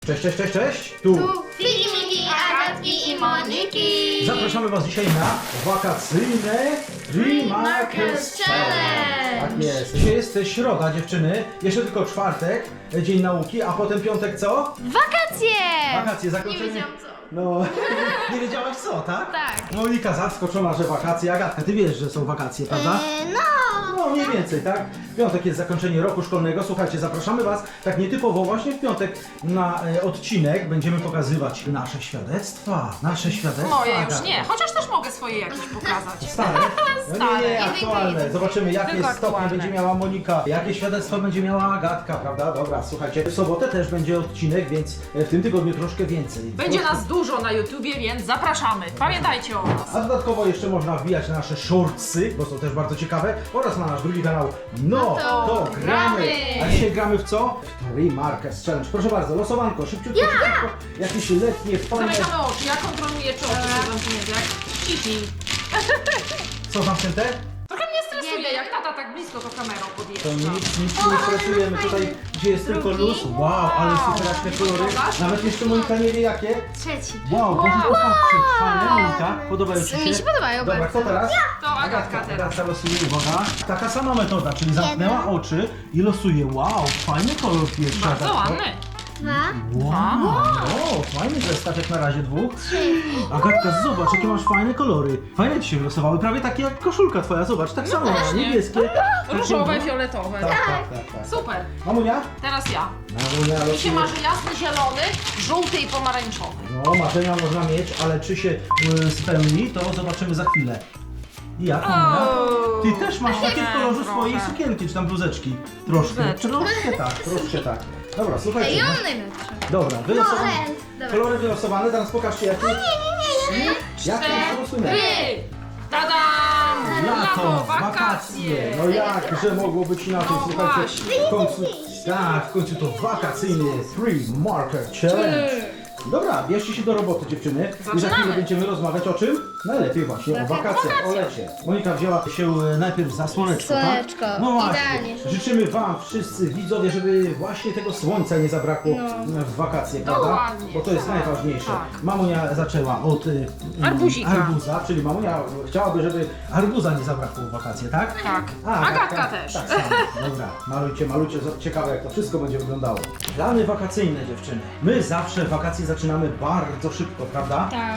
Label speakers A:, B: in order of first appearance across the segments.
A: Cześć, cześć, cześć, cześć! Tu
B: Filmiki, Agatki i Moniki!
A: zapraszamy Was dzisiaj na wakacyjne Tree Markers Challenge! Tak jest. Dzisiaj jest środa, dziewczyny, jeszcze tylko czwartek, dzień nauki, a potem piątek co?
B: Wakacje!
A: Wakacje, zakończenie.
B: Nie wiedziałam co.
A: No, nie wiedziałaś co, tak?
B: Tak.
A: Monika zaskoczona, że wakacje. Agatka, ty wiesz, że są wakacje, prawda? No, mniej więcej, tak? W piątek jest zakończenie roku szkolnego. Słuchajcie, zapraszamy Was tak nietypowo właśnie w piątek na odcinek. Będziemy pokazywać nasze świadectwa. Nasze świadectwa.
C: Moje już
A: Agatka.
C: nie, chociaż też mogę swoje jakieś pokazać.
A: Stare? No
C: Stare.
A: nie, aktualne. Zobaczymy, jakie
C: Tylko
A: stopnie
C: aktualne.
A: będzie miała Monika, jakie świadectwo będzie miała Agatka, prawda? Dobra, słuchajcie, w sobotę też będzie odcinek, więc w tym tygodniu troszkę więcej.
C: Będzie nas dużo na YouTubie, więc zapraszamy. Pamiętajcie o nas.
A: A dodatkowo jeszcze można wbijać na nasze shortsy, bo są też bardzo ciekawe, oraz na nasz drugi kanał. No to gramy! A dzisiaj gramy w co? W Tree Markers Challenge. Proszę bardzo, losowanko, szybciutko, szybciutko. Jakieś letnie, fajne...
C: Zamykamy oczy, ja kontroluję czy oczy są zamknięte, jak cipi.
A: Co zamknięte?
C: Trochę mnie stresuje, jak tata tak blisko to kamerą
A: To
C: podjeżdża.
A: nic nie stresujemy tutaj, gdzie jest tylko luz. Wow, ale super jakie kolory. Nawet jeszcze Monika nie wie jakie.
B: Trzeci.
A: Wow, możesz popatrzeć. Fajne, Monika, podobają Ci się?
B: Mi się podobają
A: Dobra,
B: bardzo.
A: kto teraz?
C: To Agatka teraz.
A: Agatka losuje, uwaga. Taka sama metoda, czyli zamknęła oczy i losuje. Wow, fajny kolor pierwszy.
C: Bardzo
A: Agatko.
C: ładny.
B: Dwa.
A: Wow, no, fajny zestaw jak na razie dwóch. Agatka, zobacz jakie masz fajne kolory. Fajne Ci się wylosowały, prawie takie jak koszulka Twoja, zobacz, tak samo,
C: właśnie.
A: niebieskie.
C: Różowe,
A: Takie,
C: fioletowe.
A: no. Tak.
C: Super.
A: Mamunia?
C: Teraz ja.
A: Mamunia
C: Mi się
A: losuje.
C: marzy jasny, zielony, żółty i pomarańczowy.
A: No, marzenia można mieć, ale czy się spełni, to zobaczymy za chwilę. I jak, Mamunia? Ty też masz takie w kolorze
C: trochę.
A: swojej sukienki, czy tam bluzeczki. Troszkę,
C: Bluzeczki.
A: troszkę tak. Dobra, słuchajcie.
B: Ja
A: no.
B: mam najlepsze.
A: Dobra, wylosowane.
B: Dobra.
A: Kolory wylosowane, teraz pokażcie jakie. Jakie losujemy?
C: Tadam!
A: Lato, wakacje. No jakże mogło być inaczej,
C: No
A: słuchajcie.
C: właśnie.
A: W końcu, tak, w końcu to wakacyjny Tree Marker Challenge. Dobra, bierzcie się do roboty, dziewczyny. I za
C: Zaczynamy.
A: chwilę będziemy rozmawiać o czym? Najlepiej właśnie o wakacjach, o lecie. Monika wzięła się najpierw za słoneczko,
B: Słoneczko,
A: tak? No właśnie.
B: idealnie.
A: Życzymy Wam wszyscy widzowie, żeby właśnie tego słońca nie zabrakło w wakacje, prawda?
C: Dokładnie,
A: Bo to jest
C: tak,
A: najważniejsze.
C: tak.
A: Mamunia zaczęła od
C: Arbuzika.
A: arbuza, czyli mamunia chciałaby, żeby arbuza nie zabrakło w wakacje, tak?
C: Tak.
A: A,
C: Agatka też.
A: Tak samo. Dobra, malujcie, ciekawe jak to wszystko będzie wyglądało. Plany wakacyjne, dziewczyny. My zawsze wakacje zaczynamy bardzo szybko, prawda?
B: Tak.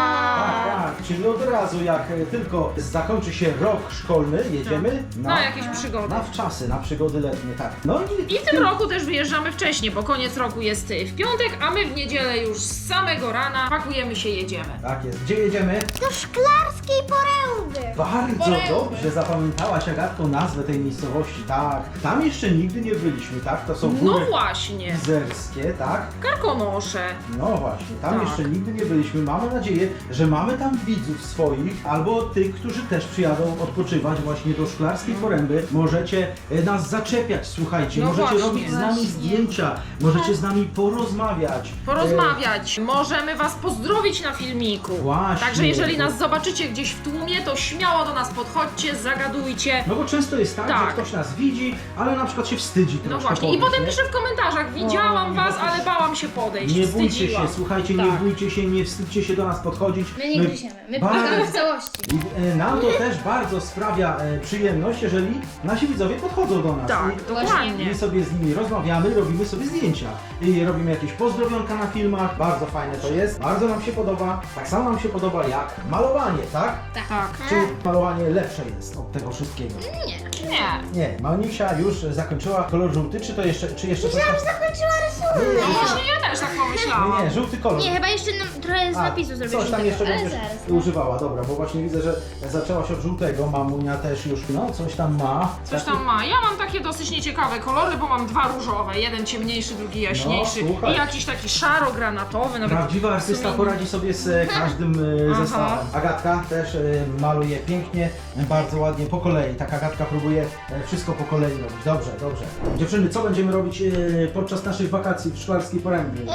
A: Tak, czyli od razu jak tylko zakończy się rok szkolny, jedziemy
C: Na jakieś przygody.
A: na wczasy, na przygody letnie, tak. No
C: I w tym roku też wyjeżdżamy wcześniej, bo koniec roku jest w piątek, a my w niedzielę już z samego rana pakujemy się, jedziemy.
A: Tak jest. Gdzie jedziemy?
B: Do Szklarskiej Poręby.
A: Bardzo dobrze zapamiętałaś, Agatko, nazwę tej miejscowości, tak. Tam jeszcze nigdy nie byliśmy, tak? To są
C: No
A: góry
C: właśnie.
A: izerskie, tak?
C: Karkonosze.
A: No właśnie, tam
C: Tak.
A: jeszcze nigdy nie byliśmy. Mamy nadzieję, że mamy tam widzów swoich, albo tych, którzy też przyjadą odpoczywać właśnie do Szklarskiej Poręby. Możecie nas zaczepiać, słuchajcie,
C: No
A: możecie
C: właśnie.
A: robić z nami zdjęcia, możecie z nami porozmawiać.
C: Porozmawiać. Możemy was pozdrowić na filmiku.
A: Właśnie.
C: Także jeżeli nas zobaczycie gdzieś w tłumie, to śmiało do nas podchodźcie, zagadujcie.
A: No bo często jest tak,
C: Tak.
A: że ktoś nas widzi, ale na przykład się wstydzi
C: No
A: troszkę
C: właśnie. I
A: podejść,
C: potem
A: nie?
C: piszę w komentarzach, widziałam
A: O,
C: was,
A: no
C: ale bałam się podejść.
A: Nie bójcie się,
C: Wstydziłam.
A: słuchajcie, nie
C: Tak.
A: bójcie się, nie wstydźcie się do nas podchodzić.
B: My nie gryziemy, my
A: bardzo-
B: pomagamy w całości.
A: I, nam to też bardzo sprawia przyjemność, jeżeli nasi widzowie podchodzą do nas.
C: Tak,
A: I
C: dokładnie.
A: my sobie z nimi rozmawiamy, robimy sobie zdjęcia. I robimy jakieś pozdrowionka na filmach. Bardzo fajne to jest. Bardzo nam się podoba. Tak samo nam się podoba jak malowanie, tak?
C: Tak.
A: Czy malowanie lepsze jest od tego wszystkiego?
C: Nie.
A: Nie, Monisia już zakończyła kolor żółty, czy jeszcze coś tam?
B: Zakończyła
C: No
B: rysunek.
C: właśnie ja też tak pomyślałam.
A: Nie, żółty kolor.
B: Nie, chyba jeszcze trochę z napisu zrobić.
A: Coś tam jeszcze
B: ale
A: będziesz
B: zaraz. no.
A: używała, dobra, bo właśnie widzę, że zaczęłaś od żółtego, mamunia też już, no coś tam ma.
C: Coś tam ma. Ja mam takie dosyć nieciekawe kolory, bo mam dwa różowe. Jeden ciemniejszy, drugi jaśniejszy.
A: No, słuchaj.
C: I jakiś taki szaro-granatowy. Nawet
A: Prawdziwy artysta
C: w sumie-
A: poradzi sobie z każdym
C: Aha.
A: zestawem. Agatka też maluje pięknie, bardzo ładnie, po kolei. Tak Agatka próbuje wszystko po kolei robić. Dobrze, dobrze. Dziewczyny, co będziemy robić podczas naszych wakacji w Szklarskiej Porębie?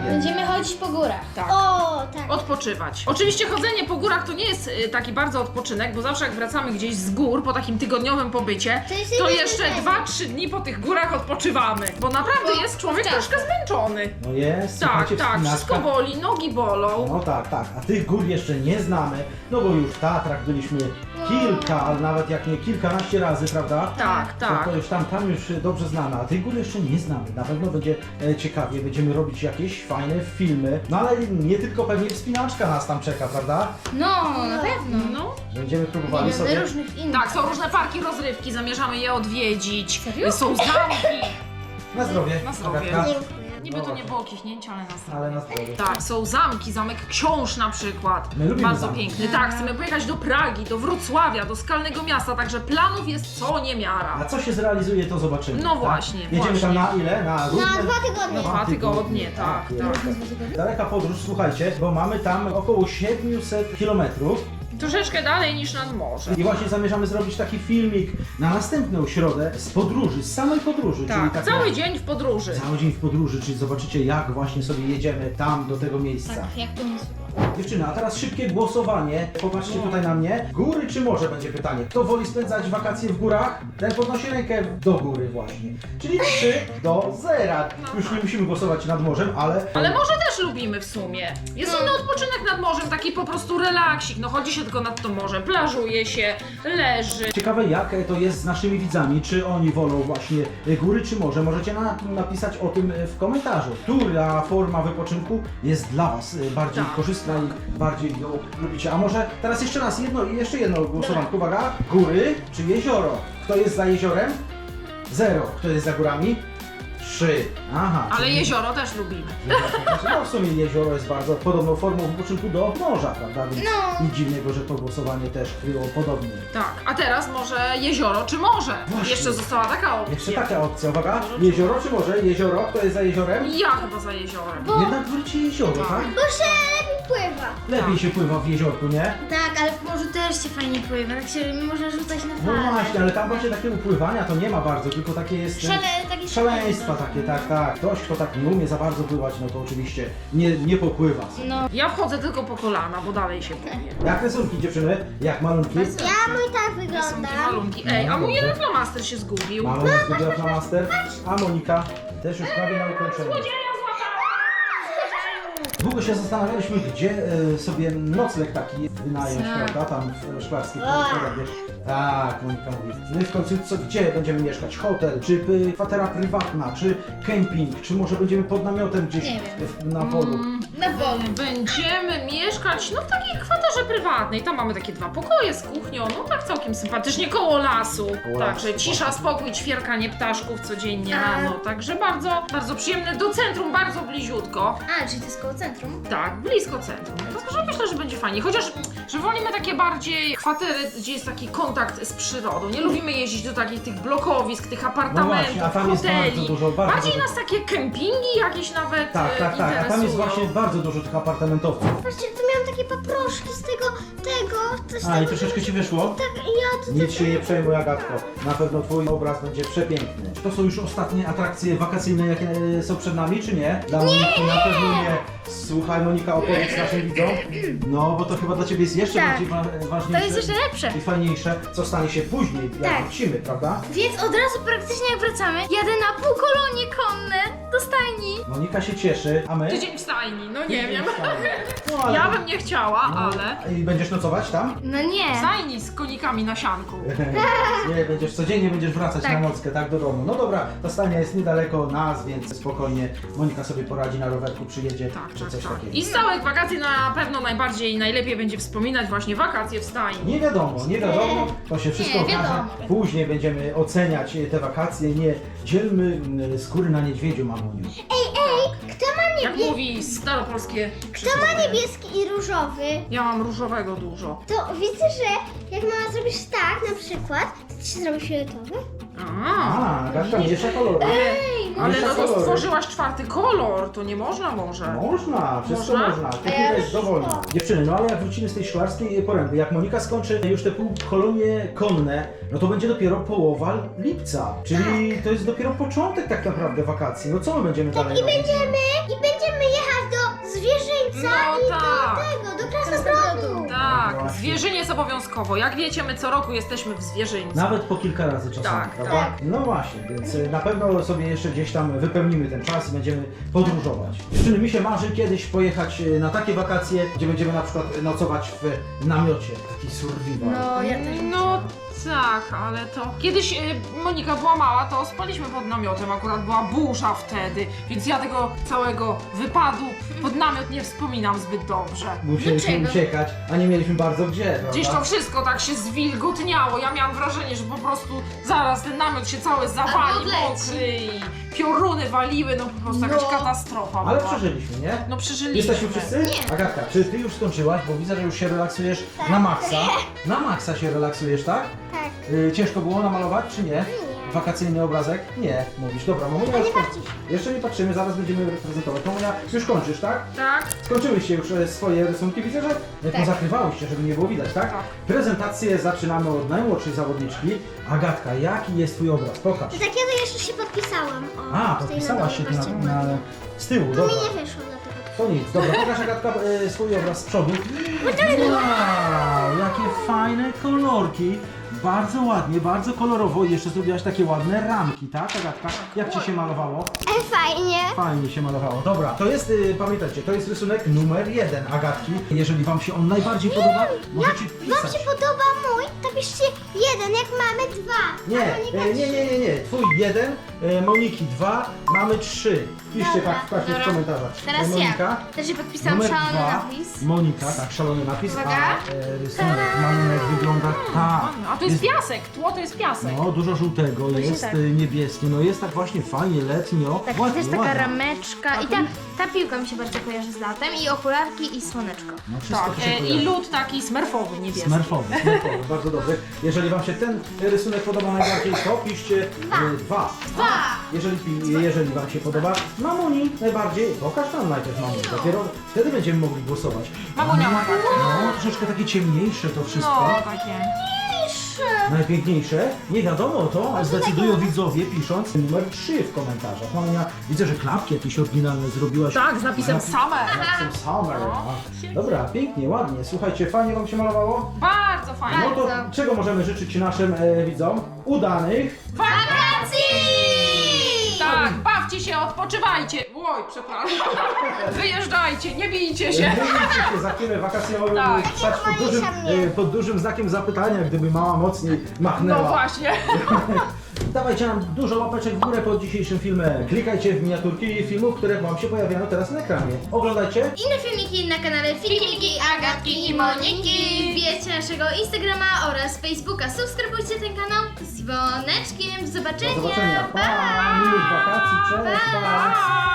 A: energię.
B: Będziemy chodzić po górach.
C: Tak.
B: O, tak.
C: Odpoczywać. Oczywiście chodzenie po górach to nie jest taki bardzo odpoczynek, bo zawsze jak wracamy gdzieś z gór po takim tygodniowym pobycie,
B: To jest
C: to
B: jeden
C: jeszcze
B: dzień.
C: 2-3 dni po tych górach odpoczywamy. Bo naprawdę jest człowiek
B: tak.
C: troszkę zmęczony.
A: No jest,
C: Tak,
A: słuchajcie,
C: tak,
A: wspinaczka.
C: wszystko boli, nogi bolą.
A: No tak, tak, a tych gór jeszcze nie znamy, no bo już w Tatrach byliśmy kilka, ale nawet jak nie kilkanaście razy, prawda?
C: Tak, tak.
A: To już tam już dobrze znamy, a tych gór jeszcze nie znamy. Na pewno będzie ciekawie, będziemy robić jakieś fajne filmy, no ale nie tylko pewnie wspinaczka nas tam czeka, prawda?
B: No, na pewno.
C: No.
A: Będziemy próbowali sobie...
B: różnych innych.
C: Tak, są różne parki rozrywki, zamierzamy je odwiedzić.
B: Serio?
C: Są zamki.
A: Na zdrowie.
C: Na zdrowie.
A: Agatka.
B: Dziękuję.
C: Niby to nie było kichnięcie, ale na zdrowie.
A: Ale na zdrowie.
C: Tak, są zamki, zamek książ na przykład.
A: My lubimy
C: Bardzo
A: zamki.
C: piękny. Tak, chcemy pojechać do Pragi, do Wrocławia, do Skalnego Miasta, także planów jest co niemiara.
A: A co się zrealizuje, to zobaczymy.
C: No
A: tak?
C: właśnie,
A: Jedziemy
C: właśnie.
A: tam na ile? Na równe?
B: Na 2 tygodnie.
C: Na 2 tygodnie, tak, tak.
A: Daleka podróż, słuchajcie, bo mamy tam około 700 kilometrów.
C: Troszeczkę dalej niż nad morzem.
A: I właśnie zamierzamy zrobić taki filmik na następną środę z podróży, z samej podróży. czyli
C: Tak,
A: taka-
C: cały dzień w podróży.
A: Cały dzień w podróży, czyli zobaczycie jak właśnie sobie jedziemy tam do tego miejsca.
B: Tak, jak to jest.
A: Dziewczyny, a teraz szybkie głosowanie. Popatrzcie tutaj na mnie. Góry czy morze będzie pytanie. Kto woli spędzać wakacje w górach? Ten podnosi rękę do góry właśnie. Czyli 3-0. Już nie musimy głosować nad morzem, ale...
C: Ale morze też lubimy w sumie. Jest inny odpoczynek nad morzem, taki po prostu relaksik. No chodzi się tylko nad to morze, plażuje się, leży.
A: Ciekawe jak to jest z naszymi widzami, czy oni wolą właśnie góry czy morze. Możecie napisać o tym w komentarzu. Która forma wypoczynku jest dla Was bardziej
C: Tak.
A: korzystna i bardziej ją lubicie. A może teraz jeszcze raz jeszcze jedno głosowanko. Uwaga, góry czy jezioro? Kto jest za jeziorem? 0. Kto jest za górami? 3. Aha.
C: Ale
A: czyli-
C: jezioro też lubimy.
A: No w sumie jezioro jest bardzo podobną formą wypoczynku do morza, prawda? Więc
B: No.
A: nic dziwnego, że to głosowanie też było podobnie.
C: Tak, a teraz może jezioro czy morze?
A: Właśnie.
C: Jeszcze została taka opcja.
A: Jeszcze taka opcja, uwaga. Jezioro czy morze? Jezioro, kto jest za jeziorem?
C: Ja chyba za jeziorem.
A: Jednak wróci jezioro,
C: Tak.
A: tak?
B: Bo się lepiej pływa.
A: Lepiej się pływa w jeziorku, nie?
B: Tak, ale w morzu też się fajnie pływa, tak się można rzucać na
A: No
B: falę.
A: właśnie, ale tam właśnie takiego pływania to nie ma bardzo, tylko takie jest...
B: Takie
A: Szaleństwa takie, tak, tak. Ktoś, kto tak nie umie za bardzo pływać, no to oczywiście nie popływa.
B: No.
C: Ja wchodzę tylko po kolana, bo dalej się boję.
A: Jak rysunki dziewczyny? Jak malunki?
B: Ja mój tak
C: Rysunki,
B: wygląda.
C: malunki. Ej, a mój jeden flamaster się zgubił.
A: Mama nas zgubiła flamaster, a Monika też już prawie na ukończeniu.
C: Złodzieja złapała!
A: Długo się zastanawialiśmy, gdzie sobie nocleg taki wynająć,
C: Tak.
A: prawda? Tam w Szklarskiej Porębie. Tak, Monika mówi. No i w końcu gdzie będziemy mieszkać? Hotel, czy kwatera prywatna, czy kemping, czy może będziemy pod namiotem gdzieś
B: Nie
A: na polu?
B: Na polu.
C: Będziemy mieszkać no w takiej kwaterze prywatnej. Tam mamy takie 2 pokoje z kuchnią, no tak całkiem sympatycznie, koło lasu.
A: Koło
C: Także
A: lasu,
C: cisza,
A: właśnie.
C: spokój, ćwierkanie ptaszków codziennie
B: A-
C: rano. Także bardzo, bardzo przyjemne. Do centrum bardzo bliziutko.
B: A, czyli to jest koło centrum?
C: Tak, blisko centrum. Także myślę, że będzie fajnie. Chociaż, że wolimy takie bardziej kwatery, gdzie jest taki kontakt z przyrodą. Nie lubimy jeździć do takich tych blokowisk, tych
A: No
C: apartamentów,
A: właśnie, a tam jest
C: hoteli.
A: bardzo dużo, bardzo
C: Bardziej
A: dużo.
C: nas takie kempingi jakieś nawet
A: Tak, tak, tak. A tam jest
C: interesują.
A: właśnie bardzo dużo tych apartamentowców.
B: Patrzcie, tu miałam takie paproszki z tego, coś
A: A i
B: tego.
A: troszeczkę ci wyszło?
B: Tak, ja tu
A: Nic się nie przejmuj, Agatko. Na pewno twój obraz będzie przepiękny. Czy to są już ostatnie atrakcje wakacyjne, jakie są przed nami, czy nie? Dla Moniki na pewno nie. Słuchaj, Monika, opowiedz naszym widzom. No, bo to chyba dla ciebie jest jeszcze
B: Tak.
A: bardziej ważniejsze.
B: To jest jeszcze lepsze.
A: I fajniejsze, co stanie się później, jak
B: Tak.
A: wrócimy, prawda?
B: Więc od razu praktycznie jak wracamy, jadę na półkolonie konne do stajni.
A: Monika się cieszy, a my?
C: Tydzień w stajni, no nie wiem.
A: No, ale
C: Ja bym nie chciała, ale...
A: I będziesz nocować tam?
B: No nie.
C: W stajni z konikami na sianku.
A: Nie, będziesz codziennie będziesz wracać
B: Tak.
A: na nockę, tak, do domu. No dobra, ta stajnia jest niedaleko nas, więc spokojnie Monika sobie poradzi na rowerku, przyjedzie,
C: Tak,
A: czy
C: tak,
A: coś
C: tak.
A: takiego.
C: I z całych wakacji na pewno najbardziej i najlepiej będzie wspominać właśnie wakacje w stajni.
A: Nie wiadomo, to się wszystko
B: Nie,
A: okaże.
B: wiadomo.
A: Później będziemy oceniać te wakacje, nie dzielmy skóry na niedźwiedziu, mamuniu.
B: Kto ma
C: Jak mówi staropolskie
B: Kto ma niebieski i różowy,
C: Ja mam różowego dużo.
B: to widzę, że jak mama zrobisz tak na przykład, to ci się zrobi fioletowy?
C: A,
A: Agatka miesza kolory.
C: ale
A: miesza
C: no to
A: kolory.
C: stworzyłaś 4. kolor, to nie można może.
A: Można, wszystko
C: Można?
A: można. Technika jest dowolna. Dziewczyny, no ale jak wrócimy z tej Szklarskiej Poręby, jak Monika skończy już te półkolonie konne, no to będzie dopiero połowa lipca. Czyli to jest dopiero początek tak naprawdę wakacji. No co my będziemy dalej robić?
B: I będziemy jechać
C: No tak.
D: do Krasnobrodu.
C: Tak,
A: Właśnie.
C: zwierzynie jest obowiązkowo. Jak wiecie, my co roku jesteśmy w zwierzyńcu.
A: Nawet po kilka razy czasami,
C: Tak,
A: prawda?
D: tak.
A: No właśnie, więc na pewno sobie jeszcze gdzieś tam wypełnimy ten czas i będziemy podróżować. Dziewczyny, mi się marzy kiedyś pojechać na takie wakacje, gdzie będziemy na przykład nocować w namiocie. Taki survival.
B: No, ja też.
C: No tak, ale to... Kiedyś Monika była mała, to spaliśmy pod namiotem, akurat była burza wtedy, więc ja tego całego wypadu pod namiot nie wspominam zbyt dobrze.
A: Musieliśmy
B: Dlaczego?
A: uciekać, a nie mieliśmy bardzo gdzie,
C: Gdzieś
A: prawda?
C: to wszystko tak się zwilgotniało, ja miałam wrażenie, że po prostu zaraz ten namiot się cały zawali,
B: Albo odleci.
C: mokry i pioruny waliły, no po prostu jakaś katastrofa
A: Ale
C: była.
A: przeżyliśmy, nie?
C: No przeżyliśmy.
A: Jesteśmy wszyscy?
B: Nie.
A: Agatka, czy ty już skończyłaś? Bo widzę, że już się relaksujesz na maksa. Na maksa się relaksujesz, tak?
D: Tak.
A: Ciężko było namalować, czy nie? Wakacyjny obrazek? Nie, mówisz. Dobra, mamunia już jeszcze nie patrzymy, zaraz będziemy prezentować. Mamunia, już kończysz, tak?
C: Tak?
A: Skończyłyście już swoje rysunki, widzę, że pozakrywałyście, żeby nie było widać, tak?
C: Tak.
A: Prezentację zaczynamy od najmłodszej zawodniczki. Agatka, jaki jest twój obraz? Pokaż.
D: Do takiego jeszcze się podpisałam. O,
A: A,
D: tutaj
A: podpisałaś się
D: na
A: tu
D: dole,
A: z tyłu,
D: To
A: dobra.
D: mi nie wyszło dlatego.
A: To nic, dobra, pokaż Agatka swój obraz z przodu. Wow, jakie fajne kolorki. Bardzo ładnie, bardzo kolorowo. Jeszcze zrobiłaś takie ładne ramki, tak Agatka? Jak ci się malowało?
D: Fajnie.
A: Fajnie się malowało. Dobra, to jest, pamiętajcie, to jest rysunek numer 1 Agatki. Jeżeli wam się on najbardziej podoba, możecie
D: Wam
A: pisać.
D: się podoba mój? To piszcie 1, jak mamy 2.
A: Nie. Twój 1, Moniki 2, mamy 3. Piszcie
D: Dobra,
A: tak w
B: dobra.
A: komentarzach.
B: Teraz
A: Monika,
B: ja. Też się podpisałam
A: numer
B: szalony
A: 2,
B: napis.
A: Monika, tak, szalony napis,
B: Uwaga.
A: a rysunek malunek wygląda tak.
C: A to jest piasek, tło to jest piasek.
A: No, dużo żółtego, jest
B: tak.
A: niebieskie, no jest tak właśnie fajnie, letnio.
B: Tak,
A: ładnie,
B: też taka
A: ładnie.
B: rameczka i ta piłka mi się bardzo kojarzy z latem i okularki i słoneczko.
A: No, wszystko
C: Tak,
A: to się
C: i
A: kojarzy.
C: lód taki smerfowy, niebieski.
A: Smerfowy, bardzo dobry. Jeżeli wam się ten rysunek podoba najbardziej, to piszcie 2. Jeżeli wam się podoba Mamuni najbardziej, pokaż nam najpierw Mamuni, dopiero wtedy będziemy mogli głosować.
C: Mamunia ma takie.
A: No, troszeczkę takie ciemniejsze to wszystko.
C: No, takie.
A: Najpiękniejsze? Nie wiadomo, to zdecydują widzowie pisząc numer 3 w komentarzach. Mamunia, widzę, że klapki jakieś oryginalne zrobiłaś.
C: Tak, z napisem Summer.
A: Z napisem Summer. no. Dobra, pięknie, ładnie. Słuchajcie, fajnie wam się malowało?
C: Bardzo fajnie.
A: No to czego możemy życzyć naszym widzom? Udanych.
C: Tak, bawcie się, odpoczywajcie. Oj, przepraszam. Wyjeżdżajcie, nie bijcie się.
A: Nie miejcie się za chwilę wakacje mogły
C: Tak.
A: stać pod dużym znakiem zapytania, gdyby mama mocniej machnęła.
C: No właśnie.
A: Dawajcie nam dużo łapeczek w górę pod dzisiejszym filmem. Klikajcie w miniaturki filmów, które wam się pojawiają teraz na ekranie. Oglądajcie.
B: Inne filmiki na kanale Filmiki Agatki i Moniki. Wbijajcie naszego Instagrama oraz Facebooka. Subskrybujcie ten kanał z dzwoneczkiem. Do
A: Do
B: zobaczenia.
A: zobaczenia. Pa! Miłych wakacji. Cześć. Pa!